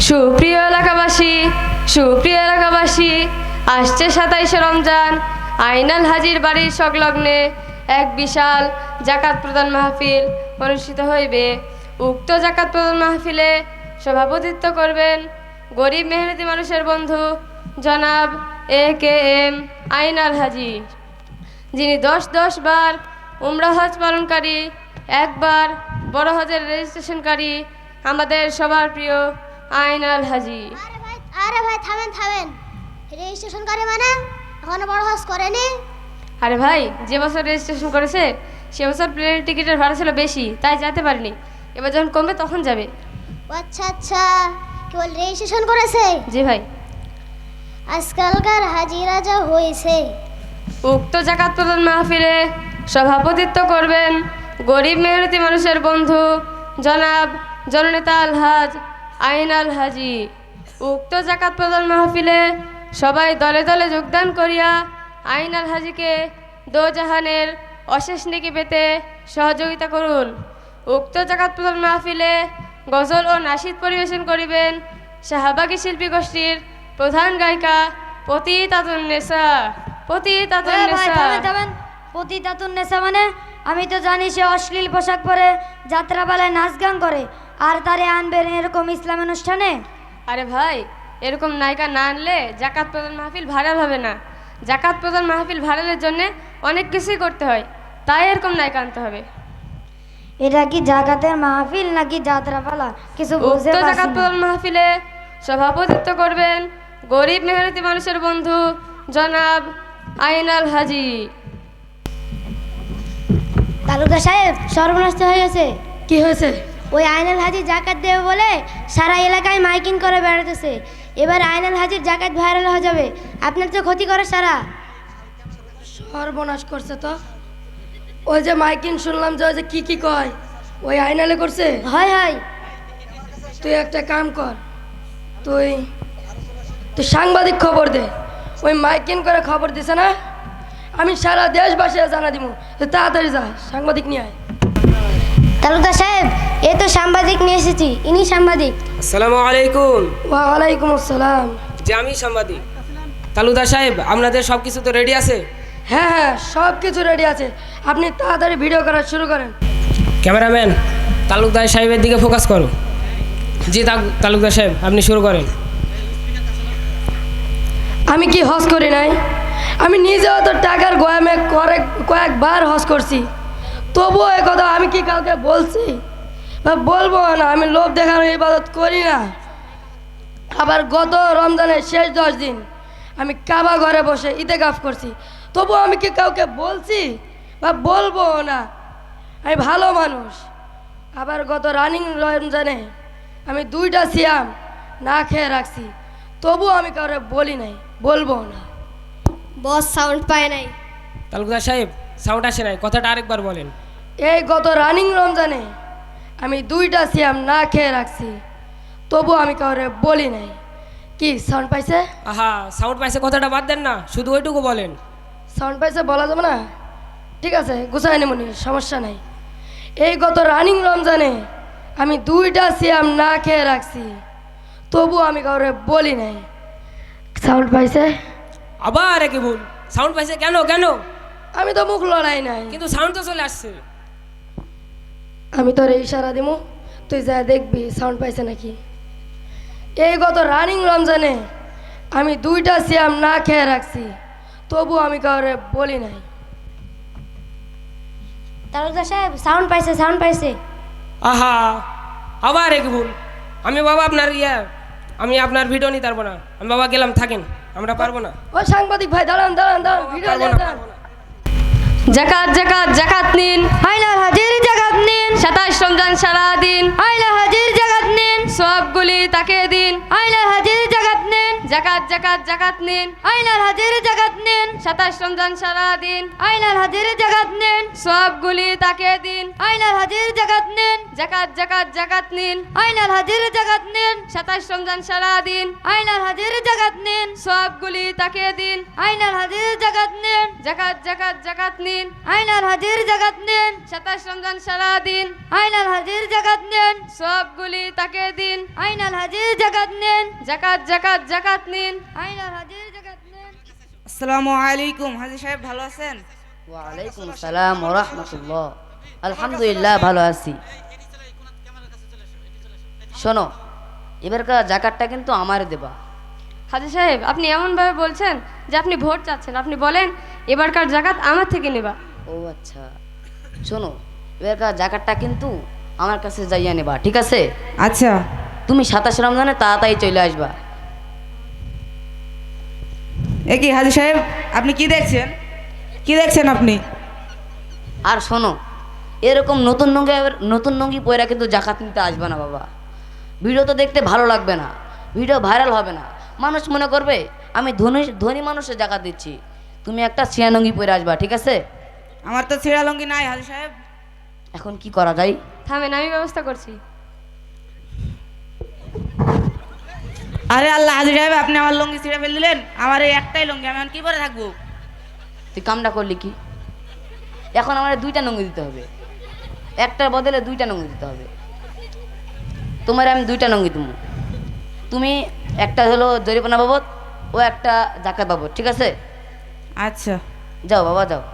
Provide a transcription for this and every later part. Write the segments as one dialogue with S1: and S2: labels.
S1: সুপ্রিয় এলাকাবাসী, সুপ্রিয় এলাকাবাসী, আসছে 27শে রমজান আইনাল হাজির বাড়ির সংলগ্নে এক বিশাল জাকাত প্রদান মাহফিল অনুষ্ঠিত হইবে। উক্ত জাকাত প্রদান মাহফিলে সভাপতিত্ব করবেন গরিব মেহনতি মানুষের বন্ধু জনাব AKM আইনাল হাজি, যিনি 10 বার উমরা হজ পালনকারী, একবার বড় হজের রেজিস্ট্রেশনকারী, আমাদের সবার প্রিয় আইনাল হাজি।
S2: আরে ভাই থামেন থামেন, রেজিস্ট্রেশনকারী মানে এখনো বড় হজ করেনি?
S1: আরে ভাই, যে বছর রেজিস্ট্রেশন করেছে সে বছর প্লেনের টিকিটের ভাড়া ছিল বেশি, তাই যেতে পারিনি। এবার যখন কমবে তখন যাবে।
S2: আচ্ছা আচ্ছা, কেবল রেজিস্ট্রেশন করেছে?
S1: জি ভাই।
S2: আজকালকার হাজিরা যা হয়েছে।
S1: উক্ত জাকাত প্রদান মাহফিলে সভাপতিত্ব করবেন গরিব মেহনতি মানুষের বন্ধু জনাব জননেতা আলহাজ আইনাল হাজি। উক্ত জাকাত প্রদান মাহফিলে সবাই দলে দলে যোগদান করিয়া আইনাল হাজিকে দোজাহানের অশেষ নেকি পেতে সহযোগিতা করুন। উক্ত জাকাত প্রদান মাহফিলে গজল ও নাশিদ পরিবেশন করিবেন শাহবাগী শিল্পী গোষ্ঠীর প্রধান গায়িকা পতিতাতুন্নেসা।
S3: পতিতাতুন্নেসা মানে? আমি তো জানি সে অশ্লীল পোশাক পরে যাত্রাপালায় নাচ গান করে, আর তারে আনবেন এরকম ইসলাম অনুষ্ঠানে?
S1: আরে ভাই, এরকম নায়িকা না আনলে জাকাত প্রদান মাহফিল ভাইরাল হবে না। জাকাত প্রদান মাহফিল ভাইরালের জন্য অনেক কিছুই করতে হয়, তাই এরকম নায়িকা আনতে হবে।
S3: এটা কি জাকাতের মাহফিল নাকি যাত্রাপালা কিছু বুঝতে
S1: উক্ত
S3: পারছি
S1: জাকাত
S3: না।
S1: প্রদান মাহফিলে সভাপতিত্ব করবেন গরিব মেহনতি মানুষের বন্ধু জনাব আইনাল হাজি।
S2: তালুকদার সাহেব, সর্বনাশ হয়ে গেছে।
S1: কি হয়েছে?
S2: ওই আইনাল হাজি জাকাত দেবে বলে সারা এলাকায় মাইকিং করে বেড়াতেছে। এবার আইনাল হাজির জাকাত ভাইরাল হয়ে যাবে, আপনার তো ক্ষতি করে সারা।
S4: সর্বনাশ করছে তো। ওই যে মাইকিং শুনলাম যে ওই যে কি কয়, ওই আইনালে করছে।
S2: হয় হয়,
S4: তুই একটা কাম কর, তুই তুই সাংবাদিক খবর দে। ওই মাইকিং করে খবর দিছে না, আমি সারা দেশবাসী জানা দিব। তুই তাড়াতাড়ি যা, সাংবাদিক নিয়ে আয়।
S2: তালুকদার সাহেব, এ তো সাংবাদিক নিয়ে এসেছি, ইনি সাংবাদিক।
S5: আসসালামু আলাইকুম।
S4: ওয়ালাইকুম আসসালাম।
S5: যে আমি সাংবাদিক। তালুকদার সাহেব, আপনাদের সব কিছু তো রেডি আছে?
S4: হ্যাঁ হ্যাঁ, সব কিছু রেডি আছে, আপনি তাড়াতাড়ি ভিডিও করা শুরু করেন।
S5: ক্যামেরাম্যান, তালুকদার সাহেবের দিকে ফোকাস করো। জি তালুকদার সাহেব, আপনি শুরু করেন।
S4: আমি কি হজ করি নাই? আমি নিজেও তো টাকার গোয়ামে কয়েকবার হজ করছি, তবুও এ কথা আমি কি কাউকে বলছি বা বলবো না? আমি লোভ দেখানোর ইবাদত করি না। আবার গত রমজানের শেষ 10 দিন আমি কাবা ঘরে বসে ইতেকাফ করছি, তবুও আমি কি কাউকে বলছি বা বলবো না? আমি ভালো মানুষ। আবার গত রানিং রমজানে আমি 2টা সিয়াম না খেয়ে রাখছি, তবুও আমি কাউকে বলি নাই, বলবো না।
S2: বস সাউন্ড পায় নাই।
S5: তালুকদার সাহেব, সাউন্ড আসে নাই, কথাটা আরেকবার বলেন।
S4: এই গত রানিং রমজানে আমি 2টা সিয়াম না খেয়ে রাখছি, তবুও আমি কাউকে বলি নাই। কি সাউন্ড পাইছে?
S5: আহা, সাউন্ড পাইছে কথাটা বাদ দেন না, শুধু ওইটুকু বলেন।
S4: সাউন্ড পাইছে বলা যাবে না? ঠিক আছে, গুছাই নেমনি, সমস্যা নাই। এই গত রানিং রমজানে আমি 2টা সিয়াম না খেয়ে রাখছি, তবুও আমি কাউকে বলি নাই। সাউন্ড পাইছে?
S5: আবার একে ভুল। সাউন্ড পাইছে কেন কেন?
S4: আমি তো মুখ লড়াই নাই,
S5: কিন্তু সাউন্ড তো চলে আসছে।
S4: আমি তোর ইশারা দিমু, তুই যা দেখবি সাউন্ড পাইছে নাকি। এই গত রানিং রমজানে আমি 2টা সিয়াম না খেয়ে রাখছি, তবু আমি কাউরে বলি নাই।
S2: তালুকদার সাহেব, সাউন্ড পাইছে, সাউন্ড পাইছে।
S5: আহা, আবার একে ভুল। আমি বাবা আপনার আমি আপনার ভিডিও নিতে পারবো না। আমি বাবা গেলাম, থাকেন, আমরা পারবো না।
S4: ও সাংবাদিক ভাই, দাঁড়ান দাঁড়ান দাঁড়ান, ভিডিও
S5: পারবো না,
S4: দাঁড়ান।
S5: পারবো না।
S1: জাকাত জাকাত জাকাত নিন,
S3: আইনাল হাজির জাকাত নিন,
S1: 27 রমজান সারাদিন
S3: আইনাল হাজির জাকাত নিন,
S1: সবগুলি তাকে দিন।
S3: আইনাল হাজির জাকাত নিন,
S1: জাকাত জাকাত জাকাত নিন,
S3: আইনাল হাজির জাকাত নিন,
S1: 27 রমজান সারাদিন
S3: আইনাল হাজির জাকাত নিন,
S1: সবগুলি তাকে দিন।
S3: আইনাল হাজির জাকাত নিন,
S1: জাকাত জাকাত জাকাত নিন,
S3: আইনাল হাজির জাকাত নিন,
S1: 27 রমজান সারাদিন
S3: আইনাল হাজির জাকাত নিন,
S1: সবগুলি তাকে দিন।
S3: আইনাল হাজির জাকাত নিন,
S1: জাকাত জাকাত জাকাত নিন।
S3: আইনাল হাজির জাকাত নিন।
S1: 27 রমজান সারা দিন
S3: আইনাল হাজির জাকাত নিন।
S1: সবগুলি তাকে দিন।
S3: আইনাল হাজির জাকাত নিন।
S1: জাকাত জাকাত জাকাত নিন।
S3: আইনাল হাজির জাকাত নিন।
S6: আসসালামু আলাইকুম, হাজি সাহেব ভালো আছেন?
S7: ওয়ালাইকুম সালাম ওয়া রাহমাতুল্লাহ। আলহামদুলিল্লাহ ভালো আছি। শোনো, এবারকার জাকাতটা কিন্তু আমার দেবা।
S1: হাজি সাহেব, আপনি এমনভাবে বলছেন যে আপনি ভোট চাচ্ছেন। আপনি বলেন এবারকার জাকাত আমার থেকে নেবা।
S7: ও আচ্ছা, শোনো, এবারকার জাকাতটা কিন্তু আমার কাছে যাইয়া নেবা, ঠিক আছে?
S6: আচ্ছা।
S7: তুমি 27 রমজানে তাড়াতাড়ি চলে আসবা।
S6: এ কি হাজি সাহেব, আপনি কি দেখছেন? কি দেখছেন আপনি?
S7: আর শোনো, এরকম নতুন লুঙ্গি পয়রা কিন্তু জাকাত নিতে আসবে না বাবা। ভিডিও তো দেখতে ভালো লাগবে না, ভিডিও ভাইরাল হবে না, মানুষ মনে করবে আমি ধনী মানুষের জাকাত দিচ্ছি। তুমি একটা ছিয়া লুঙ্গি পরে আসবা, ঠিক আছে?
S6: আমার তো ছেঁড়া লঙ্গি নাই হাজি সাহেব।
S7: এখন কি করা যায়?
S1: থামেন, আমি ব্যবস্থা করছি।
S6: আরে আল্লাহ, হাজি সাহেব আপনি আমার লঙ্গি ছিঁড়ে ফেলে দিলেন। আমার এই একটাই লঙ্গি, আমি এখন কি পরে থাকবো?
S7: তুই কামটা করলি কি? এখন আমার 2টা লুঙ্গি দিতে হবে, একটার বদলে 2টা লুঙ্গি দিতে হবে। তোমার আমি 2টা লুঙ্গি দেবো। তুমি একটা হলো জরিমানা বাবদ, ও একটা জাকাত বাবদ, ঠিক আছে?
S6: আচ্ছা।
S7: যাও বাবা যাও।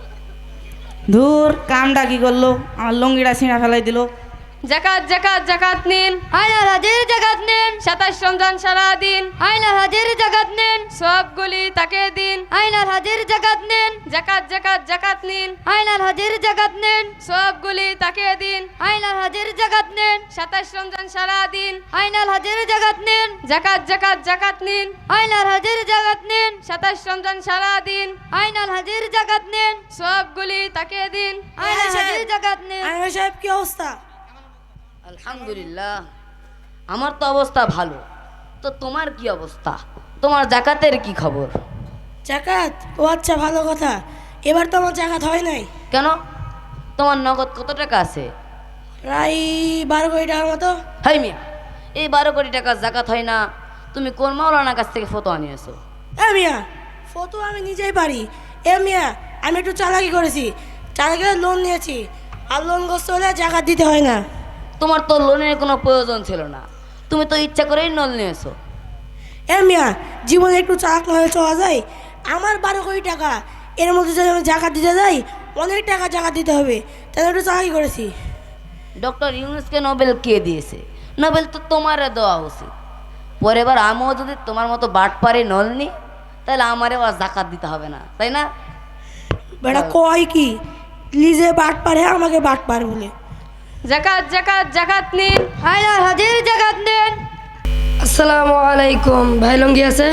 S6: ধুর, কামটা কি করলো, আমার লঙ্গিটা ছিঁড়া ফেলাই দিল।
S1: জাকাত জাকাত জাকাত নিন।
S3: আইনাল হাজির জাকাত নিন।
S1: 27 রমজান সারা দিন
S3: আইনাল হাজির জাকাত নিন।
S1: সবগুলি তাকে দিন।
S3: আইনাল হাজির জাকাত নিন।
S1: জাকাত জাকাত জাকাত নিন।
S3: আইনাল হাজির জাকাত নিন।
S1: সবগুলি তাকে দিন।
S3: আইনাল হাজির জাকাত নিন।
S1: 27 রমজান সারা দিন
S3: আইনাল হাজির জাকাত নিন।
S1: জাকাত জাকাত জাকাত নিন।
S3: আইনাল হাজির জাকাত নিন।
S1: 27 রমজান সারা দিন
S3: আইনাল হাজির জাকাত নিন।
S1: সবগুলি তাকে দিন।
S3: আইনাল হাজির জাকাত নিন।
S6: সাহেব কি অবস্থা?
S7: আলহামদুলিল্লাহ, আমার তো অবস্থা ভালো। তো তোমার কি অবস্থা? তোমার জাকাতের কি খবর?
S8: জাকাত? ও আচ্ছা, ভালো কথা। এবার তো আমার জাকাত হয় নাই।
S7: কেন? তোমার নগদ কত টাকা আছে?
S8: প্রায় 12 কোটি টাকার মতো।
S7: হাই মিয়া, এই 12 কোটি টাকা জাকাত হয় না? তুমি কোন মাওলানার কাছ থেকে ফতোয়া নিয়েছো?
S8: মিয়া, ফটো আমি নিজেই পারি। মিয়া, আমি একটু চালাকি করেছি, চালাকি লোন নিয়েছি, আর লোনগ্রস্ত হলে জাকাত দিতে হয় না।
S7: তোমার তো লোনের কোনো প্রয়োজন ছিল না, তুমি তো ইচ্ছা করেই লোন নিয়েছো।
S8: মিয়া, জীবনে একটু চালাক না হয়ে চলা যায়? আমার 12 কোটি টাকা, এর মধ্যে যদি আমি জাকাত দিতে যাই অনেক টাকা জাকাত দিতে হবে, তাহলে একটু চালাকি করেছি।
S7: ডক্টর ইউনুসকে নোবেল কে দিয়েছে? নোবেল তো তোমারে দেওয়া উচিত। পরের বার আমিও যদি তোমার মতো বাটপারে নল নি, তাহলে আমারে আর জাকাত দিতে হবে না, তাই না?
S8: বেটা কয় কি, লিজে বাট পারে, আমাকে বাট পার বলে।
S1: জাকাত জাকাত জাকাত নিন।
S3: আইনাল হাজির জাকাত নিন।
S4: আসসালামু আলাইকুম। ভাই লুঙ্গি আছে?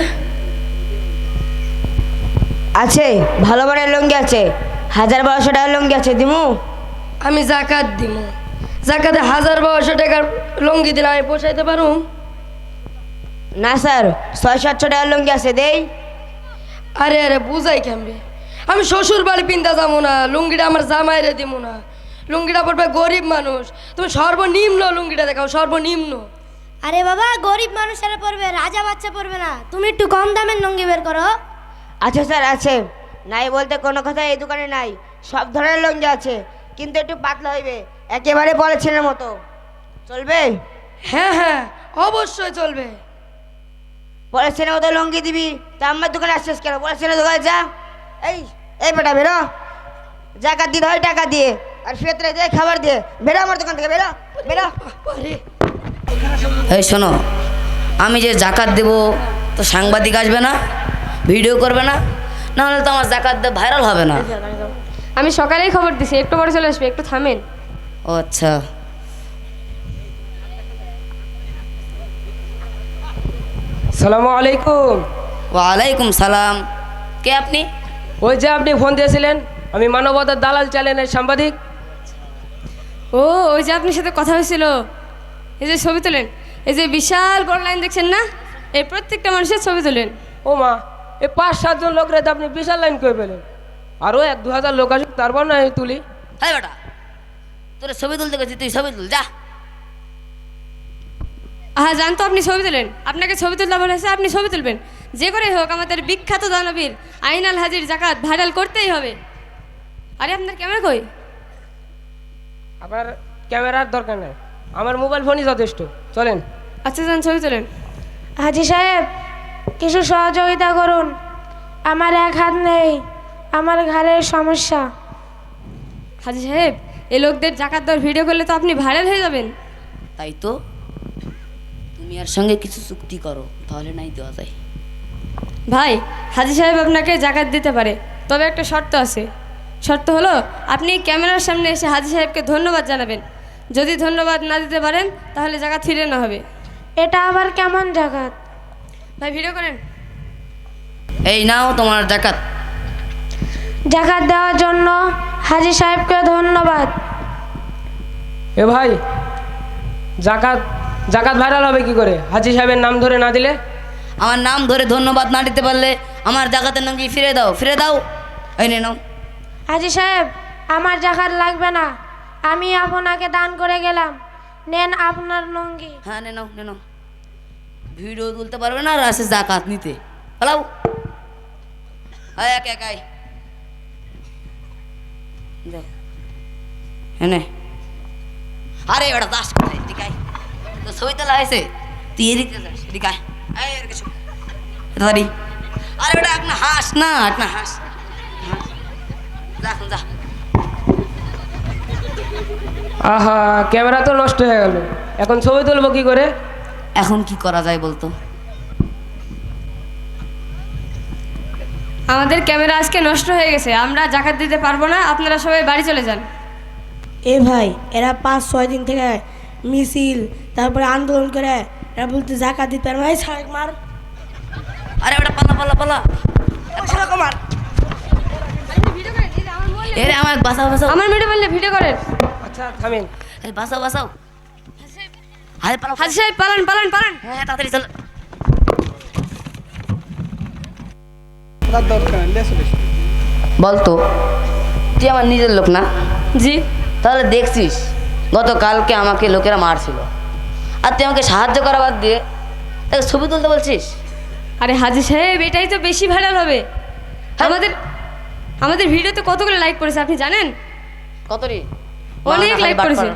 S9: আছে, ভালো মানের লুঙ্গি আছে, 1200 টাকার লুঙ্গি আছে, দিমু?
S4: আমি জাকাত দিব। জাকাতে 1200 টাকার লুঙ্গি দিলে আমি পোষাইতে পারুম?
S9: না স্যার, 600-700 টাকার লুঙ্গি আছে, দেই?
S4: আরে আরে বুঝাই কেমবে? আমি শ্বশুর বাড়ি পিন্তা যাবো না, লুঙ্গিটা আমার জামাইরে দিব না। লুঙ্গিটা পড়বে গরিব মানুষ। তুমি সর্বনিম্ন লুঙ্গিটা দেখাও, সর্বনিম্ন।
S2: আরে বাবা, গরিব মানুষেরা পড়বে, রাজা বাচ্চা পড়বে না। তুমি একটু কম দামের লুঙ্গি বের করো।
S9: আচ্ছা স্যার, আছে। নাই বলতে কোনো কথা এই দোকানে নাই, সব ধরনের লুঙ্গি আছে, কিন্তু একটু পাতলা হইবে, একেবারে পলিথিনের মতো। চলবে?
S4: হ্যাঁ হ্যাঁ, অবশ্যই চলবে।
S9: পলিথিনের মতো লুঙ্গি দিবি তা আমার দোকানে আসছিস কেন? পলিথিনের দোকানে যা। এই এই বেটা বেরো, জাকাত দিতে হয় টাকা দিয়ে, আর ফেতরে দিয়ে খাবার দিয়ে। বেরো আমার দোকান থেকে, বেরো বেরো।
S7: এই শোনো, আমি যে জাকাত দেব তো সাংবাদিক আসবে না, ভিডিও করবে না, নাহলে তো আমার জাকাত দিয়ে ভাইরাল হবে না।
S1: আমি সকালেই খবর দিছি, একটু পরে চলে আসবে, একটু থামেন।
S7: ও আচ্ছা।
S5: সালামু আলাইকুম।
S7: ওয়ালাইকুম সালাম। কে আপনি?
S5: ওই যে আপনি ফোন দিয়েছিলেন, আমি মানবতার দালাল চ্যানেলের সাংবাদিক।
S1: ও, ওই যে আপনার সাথে কথা হয়েছিল, এই যে ছবি তোলেন, এই যে বিশাল বড় লাইন দেখছেন না, এই প্রত্যেকটা মানুষের ছবি তোলেন।
S5: ও মা, এই 5-7 জন লোক রেতে আপনি বিশাল লাইন করে পেলেন। আরও 1-2 হাজার লোক আসুক, তারপর না আমি তুলি।
S7: হ্যাঁ বেটা, তোর ছবি তুলতে গেছি, তুই ছবি তুল যা।
S1: হ্যাঁ জানতো আপনি ছবি তোলেন, আপনাকে ছবি তুলতে বলেছে, আপনি ছবি তুলবেন। যে করে হোক আমাদের বিখ্যাত দানবীর আইনাল হাজির জাকাত ভাইরাল করতেই হবে। আরে আপনার ক্যামেরা কই?
S5: আবার ক্যামেরার দরকার নেই, আমার মোবাইল ফোনই যথেষ্ট। চলেন।
S1: আচ্ছা যান, ছবি তোলেন।
S2: হাজি সাহেব কিছু সহযোগিতা করুন, আমার এক হাত নেই, আমার ঘাড়ের সমস্যা।
S1: হাজি সাহেব, এই লোকদের জাকাত দেওয়ার ভিডিও করলে তো আপনি ভাইরাল হয়ে যাবেন।
S7: তাই তো, তুমি আর সঙ্গে কিছু চুক্তি করো, তাহলে নাই দেওয়া যায়।
S1: ভাই, হাজি সাহেব আপনাকে জাকাত দিতে পারে, তবে একটা শর্ত আছে। শর্ত হলো আপনি ক্যামেরার সামনে এসে হাজি সাহেবকে ধন্যবাদ জানাবেন। যদি ধন্যবাদ না দিতে পারেন তাহলে জাকাত ফিরে না হবে।
S2: এটা আবার কেমন জাকাত?
S1: ভাই ভিডিও করেন।
S7: এই নাও তোমার জাকাত।
S2: জাকাত দেওয়ার জন্য হাজি সাহেবকে ধন্যবাদ।
S5: এ ভাই, জাকাত জাকাত ভাইরাল হবে কি করে? হাজি সাহেবের নাম ধরে না দিলে?
S7: আমার নাম ধরে ধন্যবাদ না দিতে পারলে আমার জাকাতের নাম কি ফিরে দাও, ফিরে দাও। এই নে নাও।
S2: হাজি সাহেব আমার জাকাত লাগবে না, আমি আপনাকে দান করে গেলাম, নেন আপনার লুঙ্গি।
S7: হ্যাঁ নে নাও, নে নাও। ভিডিও তুলতে পারবে না আর আসে জাকাত নিতে। হ্যালো, একে একাই হ্যাঁ। আরে ওটা দাস কোথায়? দিকাই তো ছবি তোলা হয়েছে, তুই এদিকে যাস, দিকাই আরে ওটা একটা হাস না, একটা হাস। যা যা।
S5: আহা, ক্যামেরা তো নষ্ট হয়ে গেল, এখন ছবি তুলবো কি করে?
S7: এখন কি করা যায় বলতো?
S1: আমাদের ক্যামেরা আজকে নষ্ট হয়ে গেছে, আমরা জাকাত দিতে পারবো না, আপনারা সবাই বাড়ি চলে যান।
S8: এ ভাই, এরা 5-6 দিন থেকে মিছিল তারপরে আন্দোলন করে, এরা বলতে জাকাত দিতে পারবে না। এই সাহেব মার।
S7: আরে ওটা পালা পালা পালা।
S8: সেরকম মার।
S7: এরে আমার বাঁচাও বাঁচাও।
S1: আমার মেয়েটা বললে ভিডিও করেন।
S5: আচ্ছা থামেন।
S7: আরে বাঁচাও বাঁচাও। আরে পালা।
S1: হাজি সাহেব পালান পালান পালান।
S7: হ্যাঁ তাড়াতাড়ি চল। বলতো তুই আমার নিজের লোক না?
S1: জি।
S7: তাহলে দেখছিস গতকালকে আমাকে লোকেরা মারছিল, আর তুই আমাকে সাহায্য করা বাদ দিয়ে তাকে ছবি তুলতে বলছিস?
S1: আরে হাজি সাহেব, এটাই তো বেশি ভাইরাল হবে। আমাদের আমাদের ভিডিওতে কতগুলো লাইক করেছে আপনি জানেন?
S7: কত রে?
S1: অনেক লাইক করেছে।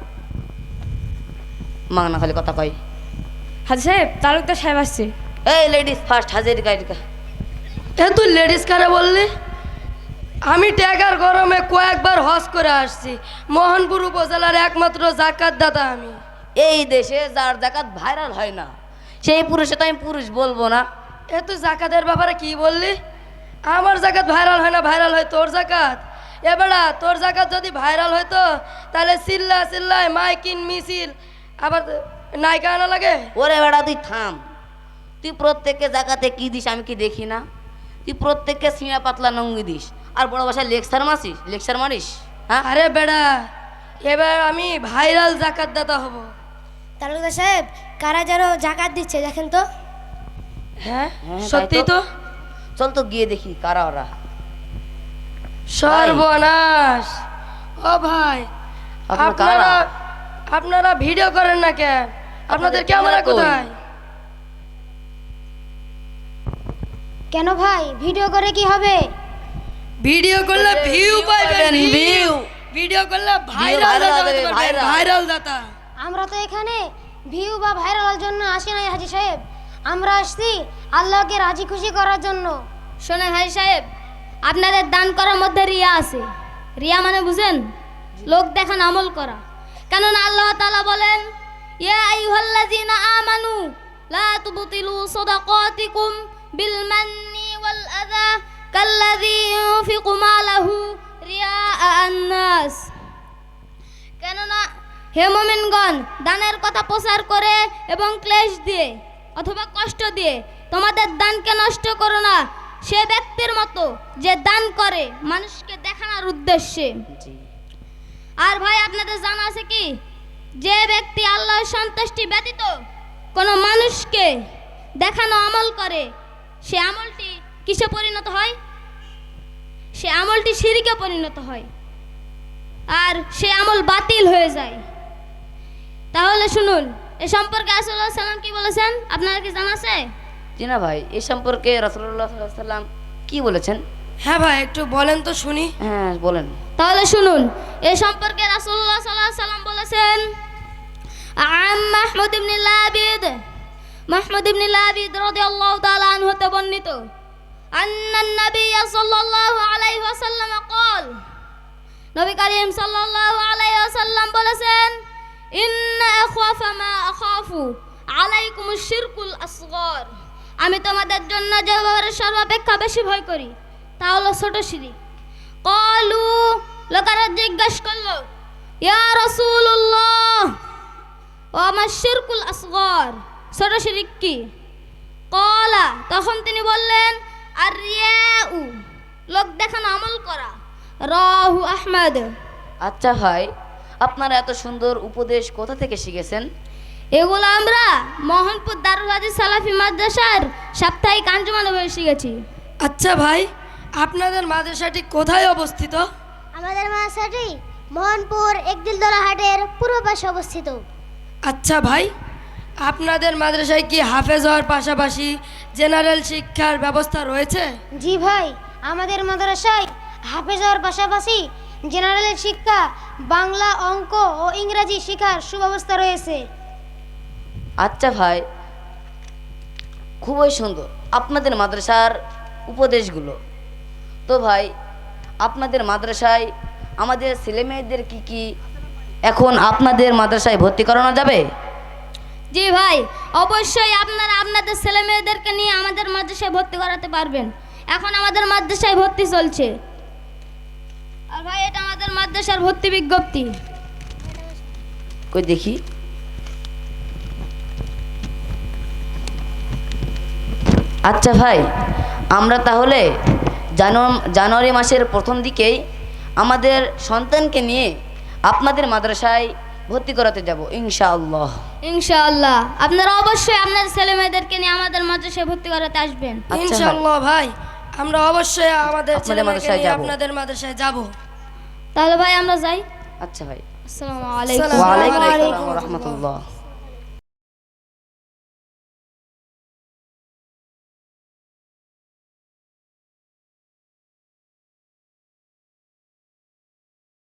S7: মাগনা খালি কথা কয়।
S1: হাজি সাহেব, তালুকদার সাহেব আসছে।
S7: এই লেডিস ফার্স্ট, হাজির গাইডিকা।
S4: এ তুই লেডিস কারে বললি? আমি টাকার গরমে কয়েকবার হজ করে আসছি, মোহনপুর উপজেলার একমাত্র জাকাত দাতা আমি।
S7: এই দেশে যার জাকাত ভাইরাল হয় না সেই পুরুষে তো আমি পুরুষ বলবো না।
S4: এ তুই জাকাতের ব্যাপারে কি বললি? আমার জাকাত ভাইরাল হয় না, ভাইরাল হয় তোর জাকাত। এবারে তোর জাকাত যদি ভাইরাল হইতো তাহলে চিল্লা চিল্লায় মাইকিন মিছিল আবার নায়িকা আনা লাগে।
S7: ওরে বেড়া তুই থাম। তুই প্রত্যেককে জাকাতে কি দিস আমি কি দেখি না? তুই প্রত্যেককে সিঁড়া পাতলা নঙ্গি দিস আর বড় ভাষায় লেকচার মারিস। হ্যাঁ
S4: আরে বেড়া, এবার আমি ভাইরাল জাকাত দাতা হব।
S2: তালুকদার সাহেব, কারা যেন জাকাত দিচ্ছে দেখেন তো।
S4: হ্যাঁ
S7: হ্যাঁ,
S4: সত্যি
S7: তাই তো।
S4: তো।
S7: চল তো গিয়ে দেখি কারা ওরা।
S4: সর্বনাশ। ও ভাই,
S7: আপনার কারা?
S4: আপনারা ভিডিও করেন না কেন? আপনাদের ক্যামেরা কোথায়?
S2: কেন ভাই, ভিডিও করে কি হবে?
S4: ভিডিও করলে ভিউ পাইবেন, ভিউ। ভিডিও করলে ভাইরাল
S7: হবে, viral।
S4: ভাইরাল দাতা।
S2: আমরা তো এখানে ভিউ বা ভাইরালের জন্য আসি নাই হাজি সাহেব, আমরা আসছি আল্লাহকে রাজি খুশি করার জন্য।
S3: শোনেন হাজি সাহেব, আপনাদের দান করার মধ্যে রিয়া আছে। রিয়া মানে বুঝেন? লোক দেখান আমল করা। কেননা আল্লাহ তাআলা বলেন, ইয়া আইয়ুহাল্লাযীনা আমানু লা তুবতিলু সাদাকাতিকুম বিল মান্নি ওয়াল আযা কাল্লাযী ইউনফিকু মালাহু রিয়াআ আন-নাস। কেননা হে মুমিনগণ, দানের কথা প্রচার করে এবং ক্লেশ দিয়ে অথবা কষ্ট দিয়ে তোমাদের দানকে নষ্ট করো না সে ব্যক্তির মতো যে দান করে মানুষকে দেখানোর উদ্দেশ্যে। আর ভাই আপনাদের জানা আছে কি, যে ব্যক্তি আল্লাহর সন্তুষ্টি ব্যতীত কোনো মানুষকে দেখানো আমল করে সে আমলটি কিসে পরিণত হয়? সে আমলটি শিরকে পরিণত হয় আর সে আমল বাতিল হয়ে যায়। তাহলে শুনুন এ সম্পর্কে রাসূলুল্লাহ সাল্লাল্লাহু আলাইহি ওয়াসাল্লাম কি বলেছেন আপনারা কি জানা আছে?
S7: জি না ভাই, এ সম্পর্কে রাসূলুল্লাহ সাল্লাল্লাহু আলাইহি ওয়াসাল্লাম কি বলেছেন?
S4: হ্যাঁ ভাই, একটু বলেন তো শুনি।
S7: হ্যাঁ বলেন।
S3: তাহলে শুনুন, এ সম্পর্কে রাসূলুল্লাহ সাল্লাল্লাহু আলাইহি ওয়াসাল্লাম বলেছেন, মাহমুদ ইবনে লাবিদ রাদিয়াল্লাহু তাআলা আনহু হতে বর্ণিত, আন্নান নবী সাল্লাল্লাহু আলাইহি ওয়াসাল্লাম قال, নবী করিম সাল্লাল্লাহু আলাইহি ওয়াসাল্লাম বলেছেন, ইন্না আখাফা মা আখাফু আলাইকুমুশ শিরকুল আসগর, আমি তোমাদের জন্য যে ব্যাপারে সর্বাপেক্ষা বেশি ভয় করি তা হলো ছোট শিরক। ক্বালু, লোকেরা জিজ্ঞেস করলো, ইয়া রাসূলুল্লাহ, ওয়া মা শিরকুল আসগর, ছোট শিরক কি? ক্বালা, তখন তিনি বললেন, আর রিয়াউ, লোক দেখানো আমল করা। রাহু আহমদ।
S7: আচ্ছা ভাই, আপনারা এত সুন্দর উপদেশ কোথা থেকে শিখেছেন?
S3: এগুলো আমরা মোহনপুর দারুল হাদিস সালাফি মাদ্রাসার সাপ্তাহিক আঞ্জুমানে বসে শিখেছি।
S4: আচ্ছা ভাই, আপনাদের মাদ্রাসাটি কোথায় অবস্থিত?
S2: আমাদের মাদ্রাসাটি মোহনপুর একদিলদলা হাটের পূর্ব পাশে অবস্থিত।
S4: আচ্ছা ভাই, আপনাদের মাদ্রাসায় কি হাফেজ হওয়ার পাশাপাশি জেনারেল শিক্ষার ব্যবস্থা রয়েছে?
S2: জি ভাই, আমাদের মাদ্রাসায় হাফেজ হওয়ার পাশাপাশি জেনারেল শিক্ষা, বাংলা, অঙ্ক ও ইংরেজি শেখার সুব্যবস্থা রয়েছে।
S7: আচ্ছা ভাই, খুবই সুন্দর আপনাদের মাদ্রাসার উপদেশগুলো। তো ভাই, আপনাদের মাদ্রাসায় আমাদের ছেলেমেয়েদের কি এখন আপনাদের মাদ্রাসায় ভর্তি করানো যাবে?
S3: জি ভাই, অবশ্যই আপনারা আপনাদের ছেলে মেয়েদেরকে নিয়ে আমাদের মাদ্রাসায় ভর্তি করাতে পারবেন। এখন আমাদের মাদ্রাসায় ভর্তি চলছে। আর ভাই, এটা আমাদের মাদ্রাসার ভর্তি বিজ্ঞপ্তি।
S7: কই দেখি। আচ্ছা ভাই, আমরা তাহলে জানুয়ারি মাসের প্রথম দিকেই আমাদের সন্তানকে নিয়ে আপনাদের মাদ্রাসায় ভর্তি করাতে যাব ইনশাআল্লাহ।
S3: ইনশাআল্লাহ আপনারা অবশ্যই আপনাদের ছেলে মেয়েদেরকে নিয়ে আমাদের মাদ্রাসায় ভর্তি করাতে আসবেন।
S7: আচ্ছা ভাই।
S4: ইনশাআল্লাহ ভাই, আমরা অবশ্যই আমাদের
S7: আপনাদের
S4: ছেলেমেয়েকে
S7: মাদ্রাসায়
S4: নিয়ে
S7: যাবো।
S4: আপনাদের মাদ্রাসায় যাব।
S3: তাহলে ভাই আমরা যাই।
S7: আচ্ছা ভাই,
S3: আসসালামু আলাইকুম।
S4: আসসালামু
S7: ওয়া আলাইকুম
S4: আলাইকুম
S7: আসসালাম ওয়া রাহমাতুল্লাহ।